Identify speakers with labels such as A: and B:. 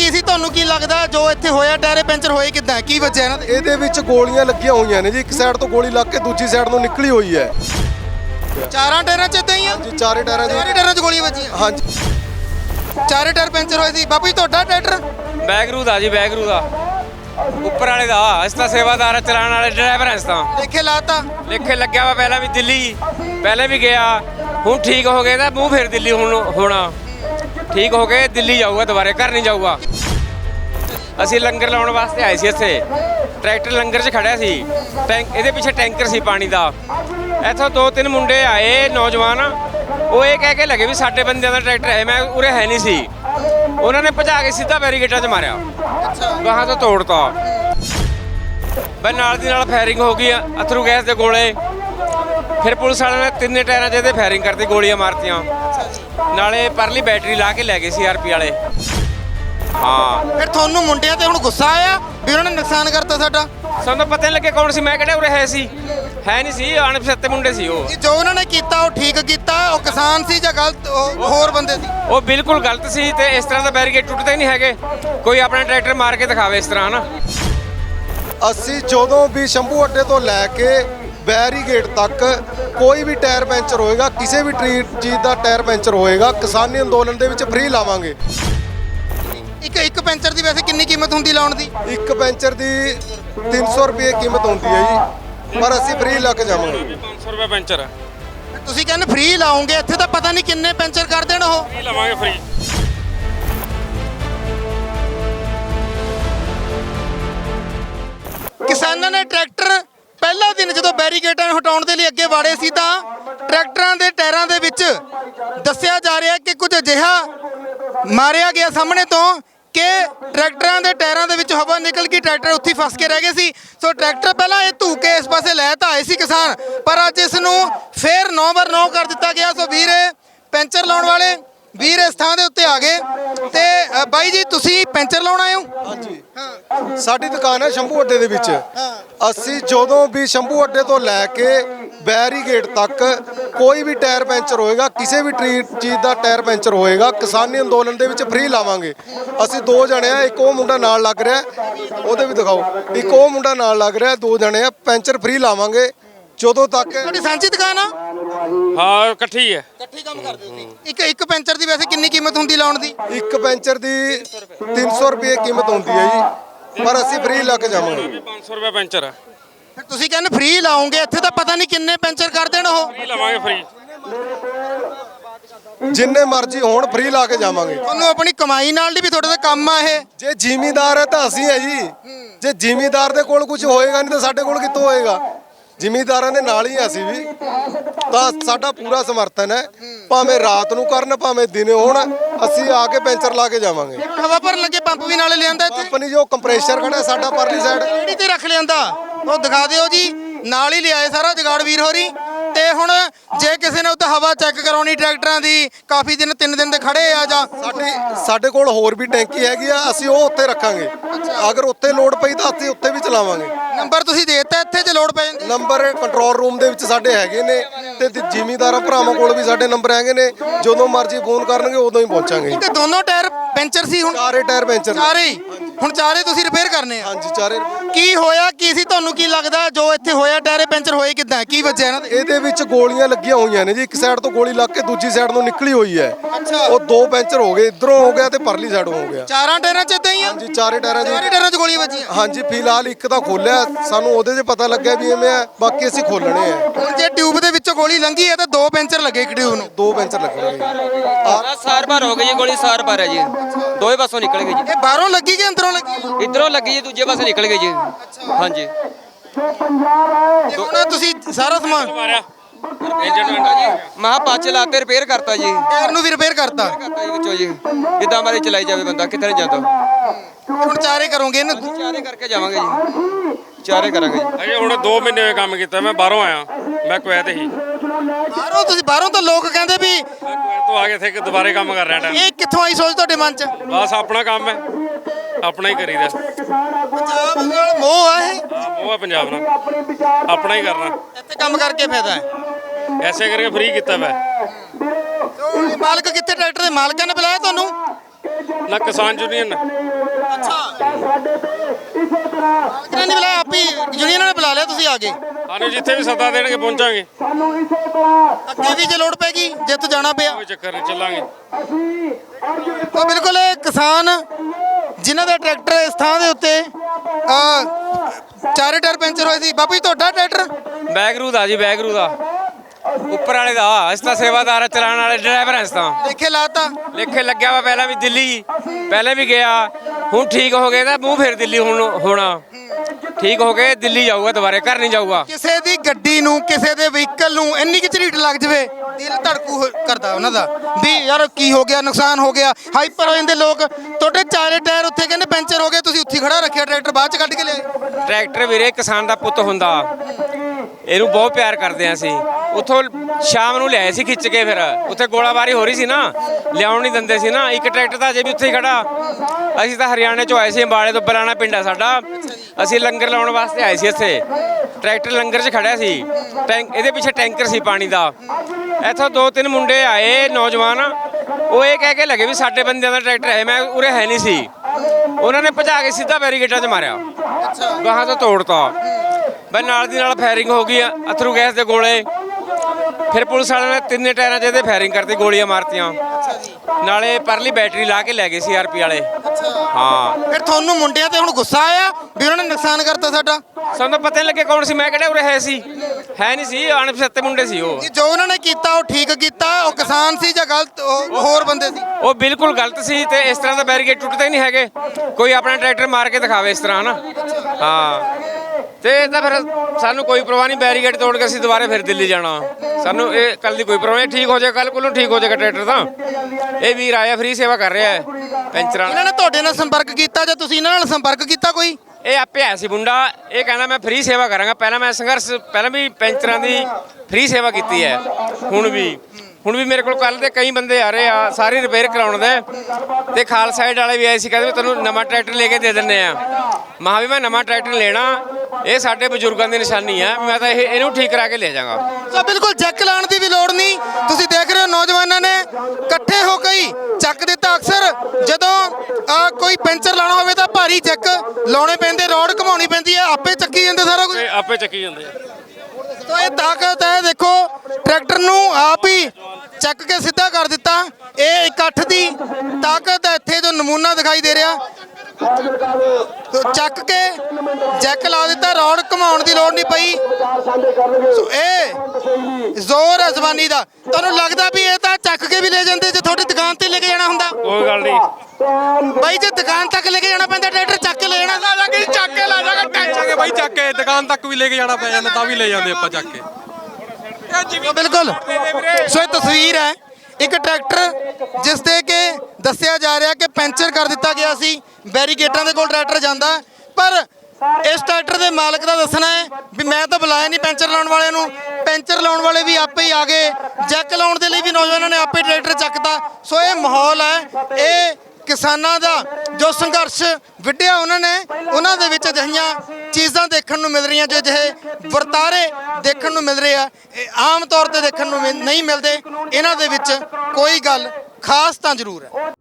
A: ਕੀ ਸੀ ਤੁਹਾਨੂੰ ਕੀ ਲੱਗਦਾ ਜੋ ਇੱਥੇ ਹੋਇਆ ਟਾਇਰੇ ਪੈਂਚਰ ਹੋਏ ਕਿੱਦਾਂ ਕੀ ਵਜ੍ਹਾ ਇਹਨਾਂ ਦੇ?
B: ਇਹਦੇ ਵਿੱਚ ਗੋਲੀਆਂ ਲੱਗੀਆਂ ਹੋਈਆਂ ਨੇ ਜੀ। ਇੱਕ ਸਾਈਡ ਤੋਂ ਗੋਲੀ ਲੱਗ ਕੇ ਦੂਜੀ ਸਾਈਡ ਤੋਂ ਨਿਕਲੀ ਹੋਈ ਹੈ।
A: ਚਾਰਾਂ ਟਾਇਰਾਂ 'ਚ ਇਦਾਂ ਹੀ ਆ?
B: ਜੀ ਚਾਰੇ ਟਾਇਰਾਂ
A: ਚਾਰੇ
B: ਦੀ।
A: ਟਾਇਰਾਂ 'ਚ ਗੋਲੀਆਂ ਵੱਜੀਆਂ?
B: ਹਾਂਜੀ।
A: ਚਾਰੇ ਟਾਇਰ ਪੈਂਚਰ ਹੋਏ ਸੀ। ਬਾਪੂ ਜੀ ਤੁਹਾਡਾ ਟਰੈਕਟਰ?
C: ਬੈਗਰੂ ਦਾ ਜੀ, ਬੈਗਰੂ ਦਾ ਉੱਪਰ ਵਾਲੇ ਦਾ। ਇਸ ਤਾਂ ਸੇਵਾਦਾਰ ਆ, ਚਲਾਉਣ ਵਾਲੇ ਡਰਾਈਵਰ ਇਸ ਤਾਂ
A: ਦੇਖੇ ਲਾਤਾ?
C: ਲਿਖੇ ਲੱਗਿਆ ਵਾ। ਪਹਿਲਾਂ ਵੀ ਦਿੱਲੀ ਪਹਿਲੇ ਵੀ ਗਿਆ, ਹੁਣ ਠੀਕ ਹੋ ਗਏ ਤਾਂ ਮੂੰਹ ਫਿਰ ਦਿੱਲੀ ਹੋਣਾ ਠੀਕ ਹੋ ਗਏ, ਦਿੱਲੀ ਜਾਊਗਾ ਦੁਬਾਰੇ, ਘਰ ਨਹੀਂ ਜਾਊਗਾ। ਅਸੀਂ ਲੰਗਰ ਲਾਉਣ ਵਾਸਤੇ ਆਏ ਸੀ ਇੱਥੇ। ਟਰੈਕਟਰ ਲੰਗਰ 'ਚ ਖੜਿਆ ਸੀ, ਇਹਦੇ ਪਿੱਛੇ ਟੈਂਕਰ ਸੀ ਪਾਣੀ ਦਾ। ਇੱਥੋਂ 2-3 ਮੁੰਡੇ ਆਏ ਨੌਜਵਾਨ, ਉਹ ਇਹ ਕਹਿ ਕੇ ਲੱਗੇ ਵੀ ਸਾਡੇ ਬੰਦਿਆਂ ਦਾ ਟਰੈਕਟਰ ਹੈ। ਮੈਂ ਉਰੇ ਹੈ ਨਹੀਂ ਸੀ, ਉਹਨਾਂ ਨੇ ਭਜਾ ਕੇ ਸਿੱਧਾ ਬੈਰੀਕੇਡਾਂ 'ਚ ਮਾਰਿਆ, ਗਾਹਾਂ ਤੋਂ ਤੋੜਤਾ। ਬਈ ਨਾਲ ਦੀ ਨਾਲ ਫਾਇਰਿੰਗ ਹੋ ਗਈ, ਅਥਰੂ ਗੈਸ ਦੇ ਗੋਲੇ। ਫਿਰ ਪੁਲਿਸ ਵਾਲਿਆਂ ਨੇ 3 ਟਾਇਰਾਂ 'ਚ ਇਹਦੇ ਫਾਇਰਿੰਗ ਕਰਤੀ, ਗੋਲੀਆਂ ਮਾਰਤੀਆਂ। ਨਾਲੇ ਪਰਲੀ ਬੈਟਰੀ ਲਾ ਕੇ ਲੈ ਗਏ ਸੀ ਆਰਪੀ ਵਾਲੇ। ਹਾਂ,
A: ਫਿਰ ਤੁਹਾਨੂੰ ਮੁੰਡਿਆਂ ਤੇ ਹੁਣ ਗੁੱਸਾ ਆਇਆ ਵੀ ਉਹਨਾਂ ਨੇ ਨੁਕਸਾਨ ਕਰਤਾ ਸਾਡਾ?
C: ਸਾਨੂੰ ਤਾਂ ਪਤਾ ਨਹੀਂ ਲੱਗਿਆ ਕੌਣ ਸੀ। ਮੈਂ ਕਿਹੜਾ ਉਰੇ ਹੈ ਨਹੀਂ ਸੀ, ਅਣਪਛਾਤੇ ਮੁੰਡੇ ਸੀ ਉਹ।
A: ਜੋ ਉਹਨਾਂ ਨੇ ਕੀਤਾ ਉਹ ਠੀਕ ਕੀਤਾ? ਉਹ ਕਿਸਾਨ ਸੀ ਜਾਂ ਗਲਤ ਹੋਰ ਬੰਦੇ ਸੀ?
C: ਉਹ ਬਿਲਕੁਲ ਗਲਤ ਸੀ। ਤੇ ਇਸ ਤਰ੍ਹਾਂ ਦਾ ਬੈਰੀਕੇਡ ਟੁੱਟਦੇ ਹੀ ਨਹੀਂ ਹੈਗੇ। ਕੋਈ ਆਪਣਾ ਟਰੈਕਟਰ ਮਾਰ ਕੇ ਦਿਖਾਵੇ ਇਸ ਤਰ੍ਹਾਂ ਨਾ।
B: ਅਸੀਂ ਜਦੋਂ ਵੀ ਸ਼ੰਭੂ ਅੱਡੇ ਤੋਂ ਲੈ ਕੇ ਬੈਰੀਗੇਟ ਤੱਕ ਕੋਈ ਵੀ ਟਾਇਰ ਪੈਂਚਰ ਹੋਏਗਾ, ਕਿਸੇ ਵੀ ਚੀਜ਼ ਦਾ ਟਾਇਰ ਪੈਂਚਰ ਹੋਏਗਾ, ਕਿਸਾਨੀ ਅੰਦੋਲਨ ਦੇ ਵਿੱਚ ਫ੍ਰੀ ਲਾਵਾਂਗੇ।
A: ਇੱਕ ਪੈਂਚਰ ਦੀ ਵੈਸੇ ਕਿੰਨੀ ਕੀਮਤ ਹੁੰਦੀ ਲਾਉਣ ਦੀ?
B: ਇੱਕ ਪੈਂਚਰ ਦੀ 300 ਰੁਪਏ ਕੀਮਤ ਹੁੰਦੀ ਹੈ ਜੀ, ਪਰ ਅਸੀਂ ਫ੍ਰੀ ਲਾ ਕੇ ਜਾਵਾਂਗੇ।
C: 500 ਰੁਪਏ ਪੈਂਚਰ ਹੈ।
A: ਤੁਸੀਂ ਕਹਿੰਦੇ ਫ੍ਰੀ ਲਾਉਂਗੇ, ਇੱਥੇ ਤਾਂ ਪਤਾ ਨਹੀਂ ਕਿੰਨੇ ਪੈਂਚਰ ਕਰ ਦੇਣ ਉਹ।
C: ਫ੍ਰੀ ਲਵਾਂਗੇ, ਫ੍ਰੀ।
A: ਕਿਸਾਨਾਂ ਨੇ ਟਰੈਕਟਰ ਪਹਿਲਾ ਦਿਨ ਜਦੋਂ ਬੈਰੀਕੇਡਾਂ ਨੂੰ ਹਟਾਉਣ ਦੇ ਲਈ ਅੱਗੇ ਵਾੜੇ ਸੀ ਤਾਂ ਟਰੈਕਟਰਾਂ ਦੇ ਟਾਇਰਾਂ ਦੇ ਵਿੱਚ ਦੱਸਿਆ ਜਾ ਰਿਹਾ ਕਿ ਕੁਝ ਅਜਿਹਾ ਮਾਰਿਆ ਗਿਆ ਸਾਹਮਣੇ ਤੋਂ ਕਿ ਟਰੈਕਟਰਾਂ ਦੇ ਟਾਇਰਾਂ ਦੇ ਵਿੱਚ ਹਵਾ ਨਿਕਲ ਗਈ, ਟਰੈਕਟਰ ਉੱਥੇ ਫਸ ਕੇ ਰਹਿ ਗਏ ਸੀ। ਸੋ ਟਰੈਕਟਰ ਪਹਿਲਾਂ ਇਹ ਧੂ ਕੇ ਇਸ ਪਾਸੇ ਲੈ ਤਾਂ ਆਏ ਸੀ ਕਿਸਾਨ, ਪਰ ਅੱਜ ਇਸ ਨੂੰ ਫੇਰ 9x9 ਕਰ ਦਿੱਤਾ ਗਿਆ। ਸੋ ਵੀਰ ਪੈਂਚਰ ਲਾਉਣ ਵਾਲੇ ਵੀਰ ਇਸ ਥਾਂ ਦੇ ਉੱਤੇ ਆ ਗਏ। ਤੇ ਬਾਈ ਜੀ ਤੁਸੀਂ ਪੈਂਚਰ ਲਾਉਣ ਆਏ ਹੋ?
B: ਹਾਂਜੀ, ਸਾਡੀ ਦੁਕਾਨ ਹੈ ਸ਼ੰਭੂ ਅੱਡੇ ਦੇ ਵਿੱਚ। ਅਸੀਂ ਜਦੋਂ ਵੀ ਸ਼ੰਭੂ ਅੱਡੇ ਤੋਂ ਲੈ ਕੇ ਬੈਰੀਗੇਟ ਤੱਕ ਕੋਈ ਵੀ ਟਾਇਰ ਪੈਂਚਰ ਹੋਏਗਾ, ਕਿਸੇ ਵੀ ਚੀਜ਼ ਦਾ ਟਾਇਰ ਪੈਂਚਰ ਹੋਏਗਾ, ਕਿਸਾਨੀ ਅੰਦੋਲਨ ਦੇ ਵਿੱਚ ਫ੍ਰੀ ਲਾਵਾਂਗੇ। ਅਸੀਂ 2 ਜਣੇ ਆ, ਇੱਕ ਉਹ ਮੁੰਡਾ ਨਾਲ ਲੱਗ ਰਿਹਾ, ਉਹਦੇ ਵੀ ਦਿਖਾਓ। ਇੱਕ ਉਹ ਮੁੰਡਾ ਨਾਲ ਲੱਗ ਰਿਹਾ, 2 ਜਣੇ ਆ, ਪੈਂਚਰ ਫ੍ਰੀ ਲਾਵਾਂਗੇ ਜਦੋਂ ਤੱਕ।
A: ਤੁਹਾਡੀ ਸਾਂਝੀ ਦੁਕਾਨ ਆ?
C: ਹਾਂ, ਇਕੱਠੀ ਹੈ।
A: ਇਕੱਠੀ ਕੰਮ ਕਰਦੇ ਹੋ? ਇੱਕ ਪੈਂਚਰ ਦੀ ਵੈਸੇ ਕਿੰਨੀ ਕੀਮਤ ਹੁੰਦੀ ਲਾਉਣ ਦੀ?
B: ਇੱਕ ਪੈਂਚਰ ਦੀ 300 ਰੁਪਏ ਕੀਮਤ ਹੁੰਦੀ ਹੈ ਜੀ, ਪਰ ਅਸੀਂ ਫ੍ਰੀ ਲਾ ਕੇ ਜਾਵਾਂਗੇ।
C: 500 ਰੁਪਏ ਪੈਂਚਰ ਹੈ।
A: ਫਿਰ ਤੁਸੀਂ ਕਹਿੰਦੇ ਫ੍ਰੀ ਲਾਉਂਗੇ, ਇੱਥੇ ਤਾਂ ਪਤਾ ਨਹੀਂ ਕਿੰਨੇ ਪੈਂਚਰ ਕਰ ਦੇਣ ਉਹ।
C: ਫ੍ਰੀ ਲਵਾਂਗੇ, ਫ੍ਰੀ।
B: ਜਿੰਨੇ ਮਰਜ਼ੀ ਹੋਣ, ਫ੍ਰੀ ਲਾ ਕੇ ਜਾਵਾਂਗੇ।
A: ਤੁਹਾਨੂੰ ਆਪਣੀ ਕਮਾਈ ਨਾਲ ਵੀ ਤੁਹਾਡੇ ਦਾ ਕੰਮ ਆ ਇਹ?
B: ਜੇ ਜ਼ਿਮੀਂਦਾਰ ਹੈ ਤਾਂ ਅਸੀਂ ਹੈ ਜੀ। ਜੇ ਜ਼ਿਮੀਂਦਾਰ ਦੇ ਕੋਲ ਕੁਝ ਹੋਏਗਾ ਨਹੀਂ ਤਾਂ ਸਾਡੇ ਕੋਲ ਕਿੱਥੋਂ ਹੋਏਗਾ? ਜ਼ਿਮੀਂਦਾਰਾਂ ਦੇ ਨਾਲ ਹੀ ਅਸੀਂ ਵੀ, ਤਾਂ ਸਾਡਾ ਪੂਰਾ ਸਮਰਥਨ ਹੈ। ਭਾਵੇਂ ਰਾਤ ਨੂੰ ਕਰਨ, ਭਾਵੇਂ ਦਿਨੇ ਹੋਣ, ਅਸੀਂ ਆ ਕੇ ਪੈਂਚਰ ਲਾ ਕੇ ਜਾਵਾਂਗੇ।
A: ਹਵਾ ਭਰਨ ਲੱਗੇ ਪੰਪ ਵੀ ਨਾਲੇ ਲਿਆਂਦਾ ਇੱਥੇ?
B: ਆਪਣੀ ਜੋ ਕੰਪਰੈਸ਼ਰ ਖੜਾ ਸਾਡਾ ਪਰਲੀ ਸਾਈਡ
A: ਰੇਹੜੀ ਤੇ ਰੱਖ ਲਿਆਂਦਾ, ਉਹ ਦਿਖਾ ਦਿਓ ਜੀ। ਨਾਲ ਹੀ ਲਿਆਏ ਸਾਰਾ ਜਗਾੜ ਵੀਰ ਹੋਰੀ। ਤੇ ਹੁਣ ਜੇ ਕਿਸੇ ਨੇ ਉੱਤੇ ਹਵਾ ਚੈੱਕ ਕਰਾਉਣੀ ਟਰੈਕਟਰਾਂ ਦੀ, ਕਾਫੀ ਦਿਨ 3 ਦਿਨ ਦੇ ਖੜੇ ਆ ਜਾਂ
B: ਸਾਡੇ ਕੋਲ ਹੋਰ ਵੀ ਟੈਂਕੀ ਹੈਗੀ ਆ, ਅਸੀਂ ਉਹ ਉੱਥੇ ਰੱਖਾਂਗੇ। ਅਗਰ ਉੱਥੇ ਲੋਡ ਪਈ ਤਾਂ ਅਸੀਂ ਉੱਥੇ ਵੀ ਚਲਾਵਾਂਗੇ।
A: ਨੰਬਰ ਤੁਸੀਂ ਦੇ ਦਿੱਤਾ ਇੱਥੇ ਜੇ ਲੋਡ ਪੈ ਜਾਂਦੀ?
B: ਨੰਬਰ ਕੰਟਰੋਲ ਰੂਮ ਦੇ ਵਿੱਚ ਸਾਡੇ ਹੈਗੇ ਨੇ, ਤੇ ਜ਼ਿਮੀਂਦਾਰਾਂ ਭਰਾਵਾਂ ਕੋਲ ਵੀ ਸਾਡੇ ਨੰਬਰ ਹੈਗੇ ਨੇ। ਜਦੋਂ ਮਰਜ਼ੀ ਫੋਨ ਕਰਨਗੇ ਉਦੋਂ ਹੀ ਪਹੁੰਚਾਂਗੇ।
A: ਤੇ ਦੋਨੋਂ ਟਾਇਰ ਪੈਂਚਰ ਸੀ ਹੁਣ?
B: ਚਾਰੇ ਟਾਇਰ ਪੈਂਚਰ।
A: ਚਾਰੇ ਹੀ? ਹੁਣ ਚਾਰੇ ਤੁਸੀਂ ਰਿਪੇਅਰ ਕਰਨੇ ਆ?
B: ਹਾਂਜੀ, ਚਾਰੇ।
A: ਕੀ ਹੋਇਆ ਕੀ ਸੀ ਤੁਹਾਨੂੰ ਕੀ ਲੱਗਦਾ ਜੋ ਇੱਥੇ ਹੋਇਆ ਟਾਇਰੇ ਪੈਂਚਰ ਹੋਏ ਕਿੱਦਾਂ ਕੀ ਵਜ੍ਹਾ ਇਹਨਾਂ ਦੇ?
B: ਇਹਦੇ ਵਿੱਚ ਗੋਲੀਆਂ ਲੱਗੀਆਂ ਹੋਈਆਂ ਨੇ ਜੀ। ਇੱਕ ਸਾਈਡ ਤੋਂ ਗੋਲੀ ਲੱਗ ਕੇ ਦੂਜੀ ਸਾਈਡ ਤੋਂ ਨਿਕਲੀ ਹੋਈ ਹੈ। ਉਹ 2 ਪੈਂਚਰ ਹੋ ਗਏ, ਇਧਰੋਂ ਹੋ ਗਿਆ ਤੇ ਪਰਲੀ ਸਾਈਡੋਂ ਹੋ ਗਿਆ।
A: ਚਾਰਾਂ ਟਾਇਰਾਂ 'ਚ ਇਦਾਂ ਹੀ ਆ?
B: ਹਾਂਜੀ, ਚਾਰੇ ਟਾਇਰਾਂ
A: ਚਾਰੇ ਟਾਇਰਾਂ 'ਚ ਗੋਲੀਆਂ ਵੱਜੀਆਂ?
B: ਹਾਂਜੀ, ਫਿਲਹਾਲ ਇੱਕ ਤਾਂ ਖੋਲਿਆ, ਸਾਨੂੰ ਉਹਦੇ 'ਚ ਪਤਾ ਲੱਗਿਆ ਵੀ ਐਵੇਂ ਆ, ਬਾਕੀ ਅਸੀਂ ਖੋਲਣੇ ਆ।
A: ਹੁਣ ਜੇ ਟਿਊਬ ਦੇ ਵਿੱਚੋਂ ਗੋਲੀ ਲੰਘੀ ਹੈ ਤਾਂ 2 ਪੈਂਚਰ ਲੱਗੇ ਇੱਕ ਟਿਊਬ ਨੂੰ?
B: 2 ਪੈਂਚਰ ਲੱਗਣਗੇ।
D: ਸਾਰ ਭਰ ਹੋ ਗਈ ਜੀ, ਗੋਲੀ ਸਾਰ ਭਰ ਹੈ ਜੀ, ਦੋਵੇਂ ਪਾਸੋਂ ਨਿਕਲ ਗਈ ਜੀ।
A: ਇਹ ਬਾਹਰੋਂ ਲੱਗੀ ਕਿ ਅੰਦਰੋਂ ਲੱਗੀ?
D: ਇਧਰੋਂ ਲੱਗੀ ਜੀ, ਦੂਜੇ ਪਾਸੇ ਨਿਕਲ ਗਈ ਜੀ। ਹਾਂਜੀ,
A: ਤੇ ਹੁਣ ਤੁਸੀਂ ਸਾਰਾ ਸਮਾਨ
D: ਮਹਾ 5 ਲਾਤੇ ਰਿਪੇਅਰ ਕਰਤਾ ਜੀ।
A: ਟਾਇਰ ਨੂੰ ਵੀ ਰਿਪੇਅਰ ਕਰਤਾ?
D: ਕਰਤਾ ਜੀ ਵਿੱਚੋਂ ਜੀ, ਜਿੱਦਾਂ ਮਾਰੀ ਚਲਾਈ ਜਾਵੇ ਬੰਦਾ, ਕਿੱਥੇ ਨਹੀਂ ਜਾਂਦਾ।
A: ਹੁਣ ਚਾਰੇ ਕਰੋਗੇ ਇਹਨੂੰ?
D: ਚਾਰੇ ਕਰਕੇ ਜਾਵਾਂਗੇ ਜੀ, ਚਾਰੇ ਕਰਾਂਗੇ ਜੀ।
C: ਅਜੇ ਹੁਣ 2 ਮਹੀਨੇ ਹੋਏ ਕੰਮ ਕੀਤਾ। ਮੈਂ ਬਾਹਰੋਂ ਆਇਆ, ਮੈਂ ਕੁਵੈਤ ਹੀ।
A: ਬਾਹਰੋਂ ਤੁਸੀਂ? ਬਾਹਰੋਂ ਤਾਂ ਲੋਕ ਕਹਿੰਦੇ ਵੀ
C: ਮੈਂ ਕੁਵੈਤ ਤੋਂ ਆ ਕੇ ਇੱਥੇ ਦੁਬਾਰੇ ਕੰਮ ਕਰ ਰਿਹਾ।
A: ਇਹ ਕਿੱਥੋਂ ਆਈ ਸੋਚ ਤੁਹਾਡੇ ਮਨ 'ਚ?
C: ਬਸ ਆਪਣਾ ਕੰਮ ਹੈ, ਆਪਣਾ ਹੀ ਕਰੀਦਾ।
A: ਪੰਜਾਬ ਨਾਲ ਮੋਹ ਆ ਇਹ?
C: ਹਾਂ, ਉਹ ਹੈ ਪੰਜਾਬ ਨਾਲ, ਆਪਣਾ ਹੀ ਕਰਨਾ।
A: ਇੱਥੇ ਕੰਮ ਕਰਕੇ ਫਾਇਦਾ ਹੈ?
C: ਐਸੇ ਕਰਕੇ ਫ੍ਰੀ ਕੀਤਾ ਮੈਂ।
A: ਮਾਲਕ ਕਿੱਥੇ? ਟਰੈਕਟਰ ਦੇ ਮਾਲਕਾਂ ਨੇ ਬੁਲਾਇਆ ਤੁਹਾਨੂੰ?
C: ਨਾ ਕਿਸਾਨ ਯੂਨੀਅਨ
A: ਕਿਹਨੇ ਨਹੀਂ ਬੁਲਾਇਆ, ਆਪ ਹੀ ਯੂਨੀਅਨ ਨੇ ਬੁਲਾ ਲਿਆ, ਤੁਸੀਂ ਆ ਗਏ।
E: ਸਾਨੂੰ ਜਿੱਥੇ ਵੀ ਸੱਦਾ ਦੇਣਗੇ ਪਹੁੰਚਾਂਗੇ।
A: ਅੱਗੇ ਵੀ ਜੇ ਲੋੜ ਪੈਗੀ, ਜੇ ਤੂੰ ਜਾਣਾ ਪਿਆ
E: ਕੋਈ ਚੱਕਰ ਨਹੀਂ, ਚੱਲਾਂਗੇ।
A: ਤਾਂ ਬਿਲਕੁਲ ਇਹ ਕਿਸਾਨ ਜਿਨ੍ਹਾਂ ਦਾ ਟਰੈਕਟਰ ਇਸ ਥਾਂ ਦੇ ਉੱਤੇ ਚਾਰੇ ਟਾਇਰ ਪੈਂਚਰ ਹੋਏ ਸੀ। ਬਾਪੂ ਜੀ ਤੁਹਾਡਾ ਟਰੈਕਟਰ?
C: ਬੈਗਰੂ ਦਾ ਜੀ, ਬੈਗਰੂ ਦਾ, ਉੱਪਰ ਵਾਲੇ ਦਾ। ਇਸ ਤਾਂ ਸੇਵਾਦਾਰ ਆ, ਚਲਾਉਣ ਵਾਲੇ ਡਰਾਈਵਰ ਐ। ਇਸ ਤਾਂ
A: ਲੇਖੇ ਲਾਤਾ।
C: ਲੇਖੇ ਲੱਗਿਆ ਵਾ, ਪਹਿਲਾਂ ਵੀ ਦਿੱਲੀ, ਪਹਿਲੇ ਵੀ ਗਿਆ, ਹੁਣ ਠੀਕ ਹੋ ਗਏ ਤਾਂ ਮੂੰਹ ਫਿਰ ਦਿੱਲੀ ਹੋਣਾ। ਠੀਕ ਹੋ ਗਏ, ਦਿੱਲੀ ਜਾਊਗਾ ਦੁਬਾਰੇ, ਘਰ ਨਹੀਂ ਜਾਊਗਾ।
A: ਕਿਸੇ ਦੀ ਗੱਡੀ ਨੂੰ, ਕਿਸੇ ਦੇ ਵਹੀਕਲ ਨੂੰ ਇੰਨੀ ਕਿ ਝਰੀਟ ਲੱਗ ਜਵੇ, ਦਿਲ ਧੜਕੂ ਕਰਦਾ ਉਹਨਾਂ ਦਾ ਵੀ ਯਾਰ ਕੀ ਹੋ ਗਿਆ, ਨੁਕਸਾਨ ਹੋ ਗਿਆ, ਹਾਈਪਰ ਹੋ ਜਾਂਦੇ ਲੋਕ। ਤੁਹਾਡੇ ਚਾਰੇ ਟਾਇਰ ਉੱਥੇ ਕਹਿੰਦੇ ਪੈਂਚਰ ਹੋ ਗਏ, ਤੁਸੀਂ ਉੱਥੇ ਖੜਾ ਰੱਖਿਆ ਟਰੈਕਟਰ, ਬਾਅਦ ਚ ਕੱਢ ਕੇ ਲਿਆਏ।
C: ਟਰੈਕਟਰ ਵੀਰੇ ਕਿਸਾਨ ਦਾ ਪੁੱਤ ਹੁੰਦਾ, ਇਹਨੂੰ ਬਹੁਤ ਪਿਆਰ ਕਰਦੇ ਆ ਅਸੀਂ। ਉੱਥੋਂ ਸ਼ਾਮ ਨੂੰ ਲਿਆਏ ਸੀ ਖਿੱਚ ਕੇ, ਫਿਰ ਉੱਥੇ ਗੋਲਾਬਾਰੀ ਹੋ ਰਹੀ ਸੀ ਨਾ, ਲਿਆਉਣ ਨਹੀਂ ਦਿੰਦੇ ਸੀ ਨਾ। ਇੱਕ ਟਰੈਕਟਰ ਤਾਂ ਅਜੇ ਵੀ ਉੱਥੇ ਹੀ ਖੜਾ। ਅਸੀਂ ਤਾਂ ਹਰਿਆਣੇ ਚੋਂ ਆਏ ਸੀ, ਅੰਬਾਲੇ ਤੋਂ, ਬਲਾਣਾ ਪਿੰਡ ਆ ਸਾਡਾ। ਅਸੀਂ ਲੰਗਰ ਲਾਉਣ ਵਾਸਤੇ ਆਏ ਸੀ ਇੱਥੇ। ਟਰੈਕਟਰ ਲੰਗਰ 'ਚ ਖੜਿਆ ਸੀ, ਇਹਦੇ ਪਿੱਛੇ ਟੈਂਕਰ ਸੀ ਪਾਣੀ ਦਾ। ਇੱਥੋਂ 2-3 ਮੁੰਡੇ ਆਏ ਨੌਜਵਾਨ, ਉਹ ਇਹ ਕਹਿ ਕੇ ਲੱਗੇ ਵੀ ਸਾਡੇ ਬੰਦਿਆਂ ਦਾ ਟਰੈਕਟਰ ਹੈ। ਮੈਂ ਉਰੇ ਹੈ ਨਹੀਂ ਸੀ, ਉਹਨਾਂ ਨੇ ਭਜਾ ਕੇ ਸਿੱਧਾ ਬੈਰੀਕੇਡਾਂ 'ਚ ਮਾਰਿਆ, ਗਾਹਾਂ ਤੋਂ ਤੋੜਤਾ। ਬਈ ਨਾਲ ਦੀ ਨਾਲ ਫਾਇਰਿੰਗ ਹੋ ਗਈ, ਅਥਰੂ ਗੈਸ ਦੇ ਗੋਲੇ। ਫਿਰ ਪੁਲਿਸ ਵਾਲਿਆਂ ਨੇ 3 ਟਾਇਰਾਂ 'ਚ ਇਹਦੇ ਫਾਇਰਿੰਗ ਕਰਤੀ, ਗੋਲੀਆਂ ਮਾਰਤੀਆਂ। ਨਾਲੇ ਪਰਲੀ ਬੈਟਰੀ ਲਾ ਕੇ ਲੈ ਗਏ ਸੀ ਆਰਪੀ ਵਾਲੇ। ਹਾਂ,
A: ਫਿਰ ਤੁਹਾਨੂੰ ਮੁੰਡਿਆਂ ਤੇ ਹੁਣ ਗੁੱਸਾ ਆਇਆ ਵੀ ਉਹਨਾਂ ਨੇ ਨੁਕਸਾਨ ਕਰਤਾ ਸਾਡਾ?
C: ਸਾਨੂੰ ਤਾਂ ਪਤਾ ਨਹੀਂ ਲੱਗਿਆ ਕੌਣ ਸੀ। ਮੈਂ ਕਿਹੜਾ ਉਰੇ ਹੈ ਸੀ, ਹੈ ਨਹੀਂ ਸੀ, ਅਣਪਛਾਤੇ ਮੁੰਡੇ ਸੀ ਉਹ।
A: ਜੋ ਉਹਨਾਂ ਨੇ ਕੀਤਾ ਉਹ ਠੀਕ ਕੀਤਾ, ਉਹ ਕਿਸਾਨ ਸੀ ਜਾਂ ਗਲਤ ਹੋਰ ਬੰਦੇ ਸੀ?
C: ਉਹ ਬਿਲਕੁਲ ਗਲਤ ਸੀ, ਤੇ ਇਸ ਤਰ੍ਹਾਂ ਦਾ ਬੈਰੀਕੇਡ ਟੁੱਟਦੇ ਹੀ ਨਹੀਂ ਹੈਗੇ। ਕੋਈ ਆਪਣਾ ਟਰੈਕਟਰ ਮਾਰ ਕੇ ਦਿਖਾਵੇ ਇਸ ਤਰ੍ਹਾਂ ਨਾ। ਹਾਂ, ਤੇ ਇਹ ਤਾਂ ਫਿਰ ਸਾਨੂੰ ਕੋਈ ਪਰਵਾਹ ਨਹੀਂ, ਬੈਰੀਕੇਡ ਤੋੜ ਕੇ ਅਸੀਂ ਦੁਬਾਰੇ ਫਿਰ ਦਿੱਲੀ ਜਾਣਾ। ਸਾਨੂੰ ਇਹ ਕੱਲ ਦੀ ਕੋਈ ਪਰਵਾਹ ਨਹੀਂ, ਠੀਕ ਹੋ ਜਾਏ, ਕੱਲ ਕੋਲੋਂ ਠੀਕ ਹੋ ਜਾਏਗਾ ਟਰੈਕਟਰ ਤਾਂ। ਇਹ ਵੀਰ ਆਇਆ, ਫ੍ਰੀ ਸੇਵਾ ਕਰ ਰਿਹਾ ਹੈ ਪੈਂਚਰਾਂ।
A: ਇਹਨਾਂ ਨੇ ਤੁਹਾਡੇ ਨਾਲ ਸੰਪਰਕ ਕੀਤਾ ਜਾਂ ਤੁਸੀਂ ਇਹਨਾਂ ਨਾਲ ਸੰਪਰਕ ਕੀਤਾ ਕੋਈ?
C: ਇਹ ਆਪੇ ਆਇਆ ਸੀ ਮੁੰਡਾ, ਇਹ ਕਹਿੰਦਾ ਮੈਂ ਫ੍ਰੀ ਸੇਵਾ ਕਰਾਂਗਾ। ਪਹਿਲਾਂ ਮੈਂ ਸੰਘਰਸ਼, ਪਹਿਲਾਂ ਵੀ ਪੈਂਚਰਾਂ ਦੀ ਫ੍ਰੀ ਸੇਵਾ ਕੀਤੀ ਹੈ, ਹੁਣ ਵੀ ਮੇਰੇ ਕੋਲ ਕੱਲ ਦੇ ਕਈ ਬੰਦੇ ਆ ਰਹੇ ਆ, ਸਾਰੀ ਰਿਪੇਅਰ ਕਰਾਉਣ ਦੇ। ਤੇ ਖਾਲਸਾ ਸਾਈਡ ਵਾਲੇ ਵੀ ਆਏ ਸੀ, ਕਹਿੰਦੇ ਵੀ ਤੈਨੂੰ ਨਵਾਂ ਟਰੈਕਟਰ ਲੈ ਕੇ ਦੇ ਦਿੰਦੇ ਆ। ਮਹਾਂ ਵੀ ਮੈਂ ਨਵਾਂ ਟਰੈਕਟਰ ਲੈਣਾ, ਇਹ ਸਾਡੇ ਬਜ਼ੁਰਗਾਂ ਦੀ ਨਿਸ਼ਾਨੀ ਹੈ, ਮੈਂ ਤਾਂ ਇਹਨੂੰ ਠੀਕ ਕਰਾ ਕੇ ਲੈ ਜਾਵਾਂਗਾ।
A: ਸੋ ਬਿਲਕੁਲ ਜੈਕ ਲਾਉਣ ਦੀ ਵੀ ਲੋੜ ਨਹੀਂ। ਤੁਸੀਂ ਦੇਖ ਰਹੇ ਹੋ ਨੌਜਵਾਨਾਂ ਨੇ ਇਕੱਠੇ ਹੋ ਕੇ ਹੀ ਚੱਕ ਦਿੱਤਾ। ਅਕਸਰ ਜਦੋਂ ਕੋਈ ਪੈਂਚਰ ਲਾਉਣਾ ਹੋਵੇ ਤਾਂ ਭਾਰੀ ਜੈਕ ਲਾਉਣੇ ਪੈਂਦੇ, ਰੋਡ ਘਮਾਉਣੀ ਪੈਂਦੀ ਹੈ, ਆਪੇ ਚੱਕੀ ਜਾਂਦੇ ਸਾਰਾ ਕੁਝ।
E: ਆਪੇ ਚੱਕੀ ਜਾਂਦੇ ਆ।
A: ਤੋ ਇਹ ਤਾਕਤ ਹੈ, ਦੇਖੋ ਟਰੈਕਟਰ ਨੂੰ ਆਪ ਹੀ ਚੱਕ ਕੇ ਸਿੱਧਾ ਕਰ ਦਿੱਤਾ। ਇਹ ਇਕੱਠ ਦੀ ਤਾਕਤ ਹੈ ਇੱਥੇ, ਜੋ ਨਮੂਨਾ ਦਿਖਾਈ ਦੇ ਰਿਹਾ। ਤੋ ਚੱਕ ਕੇ ਜੈਕ ਲਾ ਦਿੱਤਾ, ਰੋਡ ਘਮਾਉਣ ਦੀ ਲੋੜ ਨਹੀਂ ਪਈ। ਸੋ ਇਹ ਜ਼ੋਰ ਹੈ ਜ਼ਬਾਨੀ ਦਾ। ਤੁਹਾਨੂੰ ਲੱਗਦਾ ਵੀ ਇਹ ਤਾਂ ਚੱਕ ਕੇ ਵੀ ਲੈ ਜਾਂਦੇ ਜੇ ਤੁਹਾਡੀ ਦੁਕਾਨ ਤੇ ਲੈ ਕੇ ਜਾਣਾ ਹੁੰਦਾ?
E: ਕੋਈ ਗੱਲ ਨਹੀਂ
A: ਬਾਈ, ਜੇ ਦੁਕਾਨ ਤੱਕ ਲੈ ਕੇ ਜਾਣਾ ਪੈਂਦਾ ਟਰੈਕਟਰ, ਚੱਕ ਕੇ ਲੈ ਜਾਣਾ।
F: ਚੱਕ ਕੇ ਲਾ ਜਾਗਾ, ਟੈਂਸ਼ਨ ਬਾਈ, ਚੱਕ ਕੇ ਦੁਕਾਨ ਤੱਕ ਵੀ ਲੈ ਕੇ ਜਾਣਾ ਪੈ ਜਾਂਦਾ ਤਾਂ ਵੀ ਲੈ ਜਾਂਦੇ ਆਪਾਂ ਚੱਕ ਕੇ।
A: ਬਿਲਕੁਲ। ਸੋ ਇਹ ਤਸਵੀਰ ਹੈ ਇੱਕ ਟਰੈਕਟਰ ਜਿਸ ਤੇ ਕਿ ਦੱਸਿਆ ਜਾ ਰਿਹਾ ਕਿ ਪੈਂਚਰ ਕਰ ਦਿੱਤਾ ਗਿਆ ਸੀ। ਬੈਰੀਕੇਡਾਂ ਦੇ ਕੋਲ ਟਰੈਕਟਰ ਜਾਂਦਾ, ਪਰ ਇਸ ਟਰੈਕਟਰ ਦੇ ਮਾਲਕ ਦਾ ਦੱਸਣਾ ਹੈ ਵੀ ਮੈਂ ਤਾਂ ਬੁਲਾਇਆ ਨਹੀਂ ਪੈਂਚਰ ਲਾਉਣ ਵਾਲਿਆਂ ਨੂੰ। ਪੈਂਚਰ ਲਾਉਣ ਵਾਲੇ ਵੀ ਆਪੇ ਹੀ ਆ ਗਏ, ਜੈਕ ਲਾਉਣ ਦੇ ਲਈ ਵੀ ਨੌਜਵਾਨਾਂ ਨੇ ਆਪੇ ਟਰੈਕਟਰ ਚੱਕਤਾ। ਸੋ ਇਹ ਮਾਹੌਲ ਹੈ, ਇਹ ਕਿਸਾਨਾਂ ਦਾ ਜੋ ਸੰਘਰਸ਼ ਵਿੱਢਿਆ ਉਹਨਾਂ ਨੇ, ਉਹਨਾਂ ਦੇ ਵਿੱਚ ਅਜਿਹੀਆਂ ਚੀਜ਼ਾਂ ਦੇਖਣ ਨੂੰ ਮਿਲ ਰਹੀਆਂ, ਜੋ ਅਜਿਹੇ ਵਰਤਾਰੇ ਦੇਖਣ ਨੂੰ ਮਿਲ ਰਹੇ ਆ, ਇਹ ਆਮ ਤੌਰ ਤੇ ਦੇਖਣ ਨੂੰ ਨਹੀਂ ਮਿਲਦੇ। ਇਹਨਾਂ ਦੇ ਵਿੱਚ ਕੋਈ ਗੱਲ ਖਾਸ ਤਾਂ ਜ਼ਰੂਰ ਹੈ।